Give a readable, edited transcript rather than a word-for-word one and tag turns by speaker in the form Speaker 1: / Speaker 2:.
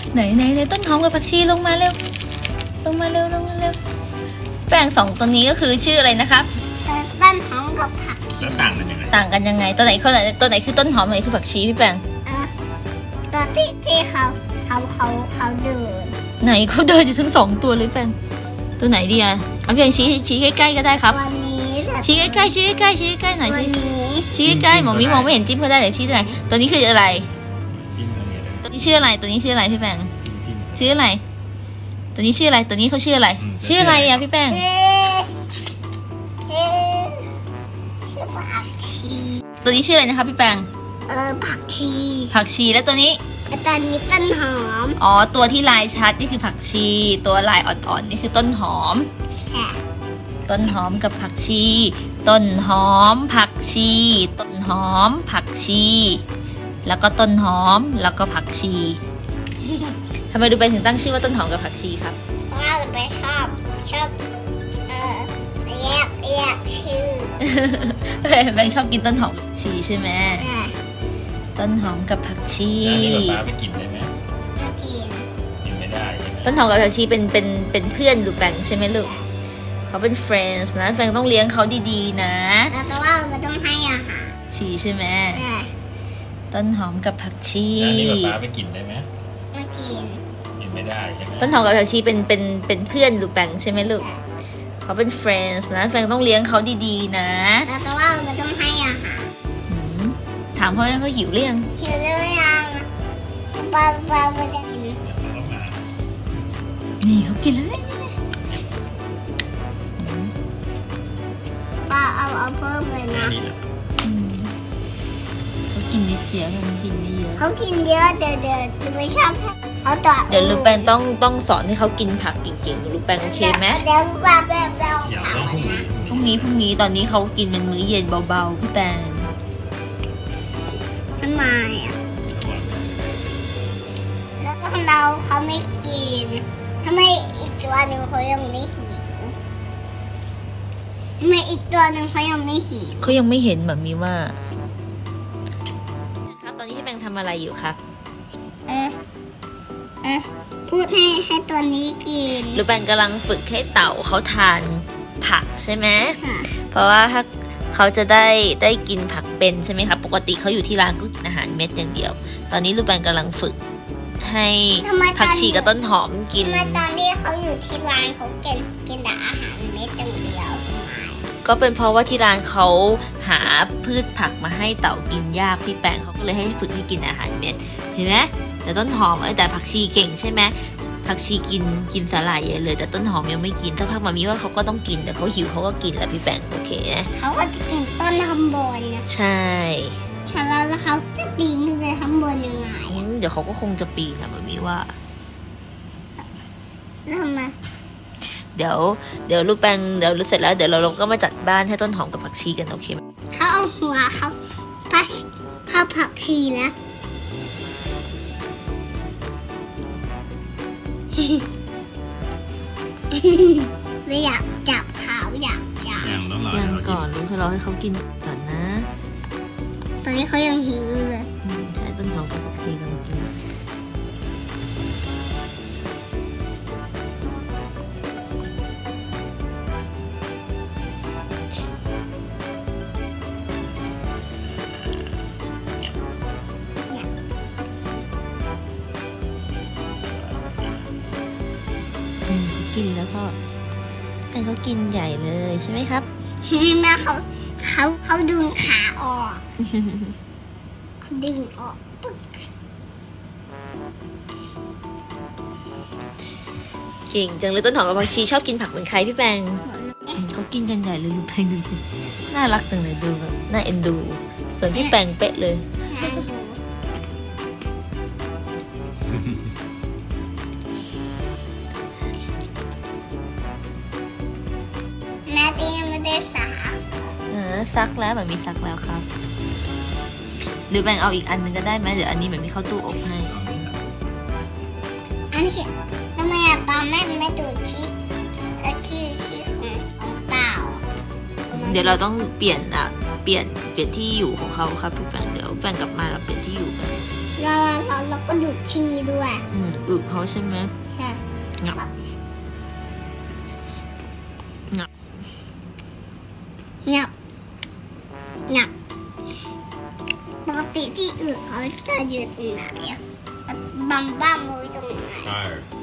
Speaker 1: ไหนต้นหอมกับผักชีลงมาเร็วลงมาเร็วแป้ง2ตัวนี้ก็คือชื่ออะไรนะครับ
Speaker 2: ต้นหอมกับผักชี
Speaker 3: แล้วต่างกันยังไง
Speaker 1: ต่างกันยังไงตัวไหนคือต้นหอมตัวไหนคือผักชีพี่แป้ง
Speaker 2: ตัวที่เขาเดิน
Speaker 1: ไหนเขาเดินอยู่ทั้ง2ตัวเลยแป้งตัวไหนดีอะเอาเพียงชี้ใกล้ๆก็ได้ครับ
Speaker 2: ตัวนี้
Speaker 1: ชี้ใกล้ๆหน่อย
Speaker 2: ตัวนี้
Speaker 1: ชี้ใกล้ๆหมอมีมองไม่เห็นจิ้มเขาได้แต่ชี้ตัวไหนตัวนี้คืออะไร
Speaker 3: จิ้มตรงนี้เลย
Speaker 1: ตัวนี้ชื่ออะไรพี่แป้ง
Speaker 3: จิ้ม
Speaker 1: ชื่ออะไรตัวนี้ชื่ออะไรตัวนี้เขาชื่ออะไรชื่ออะไรอะพี่แป้ง
Speaker 2: ชื่อผักชี
Speaker 1: ตัวนี้ชื่ออะไรนะครับพี่แป้ง
Speaker 2: ผักชี
Speaker 1: ผักชีแล้วตัวนี้
Speaker 2: ตอนนี้ต้นหอม
Speaker 1: อ๋อตัวที่ลายชัดนี่คือผักชี ตัวลายอ่อนๆนี่คือต้นหอม
Speaker 2: ค่ะ
Speaker 1: ต้นหอมกับผักชี ต้นหอมผักชี ต้นหอมผักชี แล้วก็ต้นหอมแล้วก็ผักชีทำไมดูไปถึงตั้งชื่อว่าต้นหอมกับผักชีครับ
Speaker 2: เพราะว่าเราไปชอบแยกชื่อ
Speaker 1: แบงค์ชอบกินต้นหอมกับผักชีใช่ไหม
Speaker 2: ค่ะ
Speaker 1: ต้นหอมกับผักชี
Speaker 3: แล้วนี่ป๊าไปกินได้ไหม
Speaker 2: มากิน
Speaker 3: กินไม่ได้ใช่ไหม
Speaker 1: ต้นหอมกับผักชีเป็นเพื่อนลูกแบงค์ใช่ไหมลูกเขาเป็น friends นะแบงค์ต้องเลี้ยงเขาดีๆนะ
Speaker 2: แต่ว่าเราต้องให้อาหาร
Speaker 1: ชีใช่ไหม
Speaker 2: ค่ะ
Speaker 1: ต้นหอมกับผักชี
Speaker 3: แล้วนี่ป๊าไปกินได้ไหม
Speaker 2: มากิน
Speaker 3: กินไม่ได้ใช่ไหม
Speaker 1: ต้นหอมกับผักชีเป็นเพื่อนลูกแบงค์ใช่ไหมลูกเขาเป็น friends นะแบงค์ต้องเลี้ยงเขาดีๆนะ
Speaker 2: แต่ว่าเราต้องให้อาหาร
Speaker 1: หืมถามเขายังเขาหิวหรือยัง
Speaker 2: หิวหรือยังปลาจะกิน
Speaker 3: แล้วก็มา
Speaker 1: นี่เขากินแล้วเนี่ย
Speaker 2: ปลาเอาเพิ่มเลยนะ
Speaker 3: นี่แหละ
Speaker 1: อืมเขากินนิดเดียวเขากินไม่เยอะ
Speaker 2: เขากินเยอะเดี๋ยวจะไม่ชอบเขาต่อ
Speaker 1: เดี๋ยวลูกแบงค์ต้องสอนให้เขากินผักเก่งๆลูกแบงค์โอเคไหม
Speaker 2: เดี๋ยวปลาแบบ
Speaker 3: เดี๋ยวต้องพรุ่งนี้
Speaker 1: พรุ่งนี้ตอนนี้เขากินเป็นมื้อเย็นเบาๆพี่แบงค์
Speaker 2: ทำไมอ่ะแล้วก็เขาไม่กินทำไมอีกตัวหนึ่งเขายังไม่หิวทำไมอีกตัวหนึ่งเขายังไม่หิว
Speaker 1: เขายังไม่เห็นแบบมีว่าครับตอนนี้พี่แบงค์ทำอะไรอยู่ครับ
Speaker 2: พูดให้ตัวนี้กิน
Speaker 1: ลูกแบงค์กำลังฝึกให้เต่าเขาทานผักใช่ไหม
Speaker 2: ค่ะ
Speaker 1: เพราะว่าถ้าเขาจะได้กินผักเป็นใช่ไหมครับปกติเขาอยู่ที่ร้านก็กินอาหารเม็ดอย่างเดียว ตอนนี้ลูกแบงค์กำลังฝึกให้ผักชีกับต้นหอมกิน
Speaker 2: ทำไมตอนที่เขาอยู่ที่ร้านเขากินแต่อาหารเม็ดอย่างเดียวทำไม
Speaker 1: ก็เป็นเพราะว่าที่ร้านเขาหาพืชผักมาให้เต่ากินยากพี่แปงเขาก็เลยให้ฝึกให้กินอาหารเม็ดเห็นไหมแต่ต้นหอมแต่ผักชีเก่งใช่ไหมผักชีกินสาหร่ายใหญ่เลยแต่ต้นหอมยังไม่กินถ้าพักมามีว่าเขาก็ต้องกินแต่เขาหิวเขาก็กินแหละพี่แปงโอเคนะ
Speaker 2: เขาก็จะกินต้นข้างบนนะ
Speaker 1: ใช่
Speaker 2: แล้วเขาจะปีนขึ้นไปข้างบนยังไง
Speaker 1: เดี๋ยวเขาก็คงจะปีนแหละมามีว่า
Speaker 2: แล้วทำไม
Speaker 1: เดี๋ยวลูกแปงเดี๋ยวรู้เสร็จแล้วเดี๋ยวเราก็มาจัดบ้านให้ต้นหอมกับผักชีกันโอเคไหม
Speaker 2: เขาเอาหัวเขาผักชีแล้ว ไม่อยากจับเขาอยากจับ
Speaker 3: ยังต้องรอ
Speaker 1: ยังก่อนลุงให้เราให้เขากินก่อนนะ
Speaker 2: ตอนนี้เขายังหิวอยู่เลย
Speaker 1: ใช่ต้นหอมกับผักชีกันกิน เขากินแล้วก็แต่เขากินใหญ่เลยใช่ไหมครับ
Speaker 2: แม่เขาดึงขาออกเขาดึงออกปึ๊ก
Speaker 1: เก่งจังเลยต้นหอมกับผักชีชอบกินผักเหมือนใครพี่แปง
Speaker 2: หมดเลย
Speaker 1: เขากินกันใหญ่เลยลูกแปงดูสิน่ารักจังเลยดูแบบน่าเอ็นดูเหมือนพี่แปงเป๊ะเลย
Speaker 2: น่าดูแม่ที่ยังไม่ได้สา
Speaker 1: ซักแล้วเหมือนมีซักแล้วครับ หรือแบงเอาอีกอันหนึงก็ได้ไหมเดี๋ยวอันนี้เหมือนมีเข้าตู้อบให้
Speaker 2: อันนี้ทำไมอะปาไม่ดูที่ของเต่า
Speaker 1: เดี๋ยวเราต้องเปลี่ยนที่อยู่ของเขาครับพี่แปงเดี๋ยวแปงกลับมาเราเปลี่ยนที่อยู่กัน
Speaker 2: แล้วก็ดูดขี้ด้วย
Speaker 1: อึเขาใช่ไหม
Speaker 2: ใช่
Speaker 1: งับ
Speaker 2: งับงับปกติที่อื่นเขาจะอยู่ตรงไหนอะบ้ามมือตรงไหน
Speaker 3: ใช่